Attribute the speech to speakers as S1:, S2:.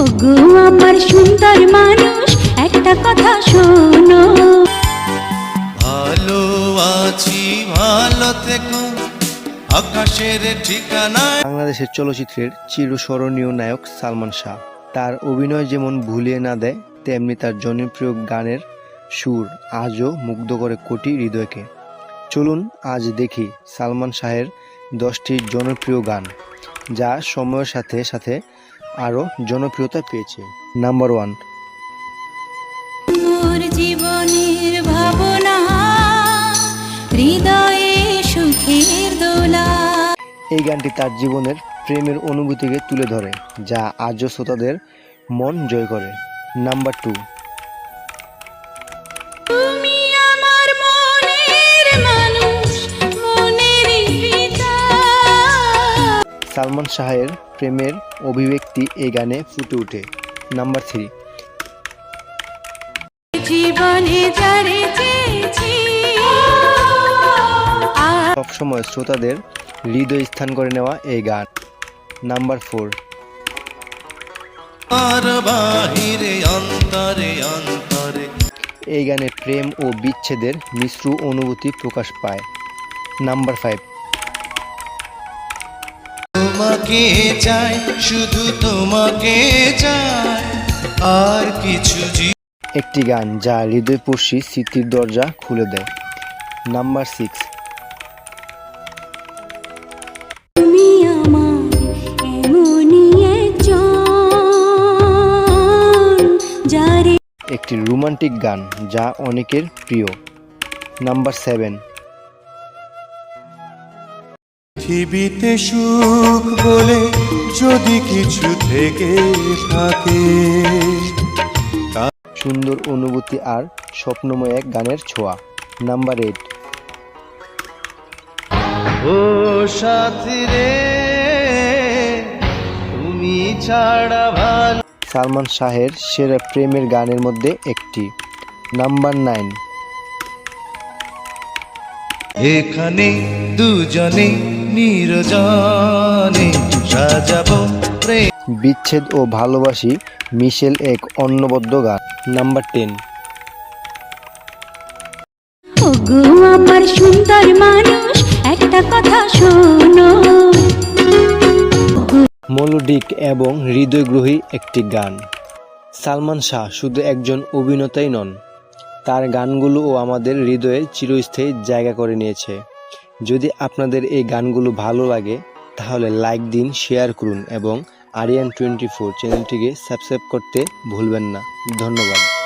S1: ওগো আমার সুন্দর মানুষ, একটা কথা শোনো।
S2: ভালো আছি, ভালো থেকো, আকাশের ঠিকানায়।
S3: বাংলাদেশের চলচ্চিত্রের চিরস্মরণীয় নায়ক সালমান শাহ। তার অভিনয় যেমন ভুলিয়ে না দেয়, তেমনি তার জনপ্রিয় গানের সুর আজও মুগ্ধ করে কোটি হৃদয়কে। চলুন আজ দেখি সালমান শাহের 10টি জনপ্রিয় গান, যা সময়ের সাথে সাথে আরও জনপ্রিয়তা পেয়েছে। নাম্বার 1।
S1: মোর জীবনের ভাবনা, হৃদয়ে সুখের দোলা।
S3: এই গানটি তার জীবনের প্রেমের অনুভূতিকে তুলে ধরে, যা আজও শ্রোতাদের মন জয় করে। নাম্বার 2।
S1: তুমি আমার মনের মানুষ, মনেরই পিতা।
S3: সালমান শাহের প্রেমের অভিব্যক্তি এই গানে ফুটে ওঠে। নাম্বার 3।
S1: জীবনে যারে চেয়েছি,
S3: সবসময় শ্রোতাদের হৃদয় স্থান করে নেওয়া এই গান। নাম্বার 4।
S2: আর বাহিরে অন্তরে অন্তরে
S3: এই গানে প্রেম ও বিচ্ছেদের মিশ্র অনুভূতি প্রকাশ পায়। নাম্বার 5।
S2: তোমাকে চাই, শুধু তোমাকে চাই, আর কিছু
S3: একটি গান যা হৃদয়স্পর্শী স্মৃতির দরজা খুলে দেয়। নাম্বার 6।
S1: তুমি আমার এমনই একজন, যারে
S3: একটি রোমান্টিক গান যা অনেকের প্রিয়। নাম্বার 7।
S4: পৃথিবীতে সুখ বলে যদি কিছু থেকে থাকে,
S3: সুন্দর অনুভূতি আর স্বপ্নময় এক গানের ছোঁয়া। নাম্বার 8।
S2: ও সাথী রে, তুমি ছাড়া ভালো।
S3: সালমান শাহের সেরা প্রেমের গানের মধ্যে একটি। নাম্বার 9।
S2: এখানে দুজনে নির্জনে সাজাবো প্রেম।
S3: বিচ্ছেদ ও ভালোবাসি মিশেল এক অনবদ্য গান। নাম্বার 10।
S1: ওগো আমার সুন্দর মানুষ, একটা কথা শোনো।
S3: মেলোডিক এবং হৃদয়গ্রাহী একটি গান। সালমান শাহ শুধু একজন অভিনেতাই নন, তার গানগুলোও আমাদের হৃদয়ে চিরস্থায়ী জায়গা করে নিয়েছে। যদি আপনাদের এই গানগুলো ভালো লাগে তাহলে লাইক দিন, শেয়ার করুন এবং আরিয়ান 24 চ্যানেলটিকে সাবস্ক্রাইব করতে ভুলবেন না। ধন্যবাদ।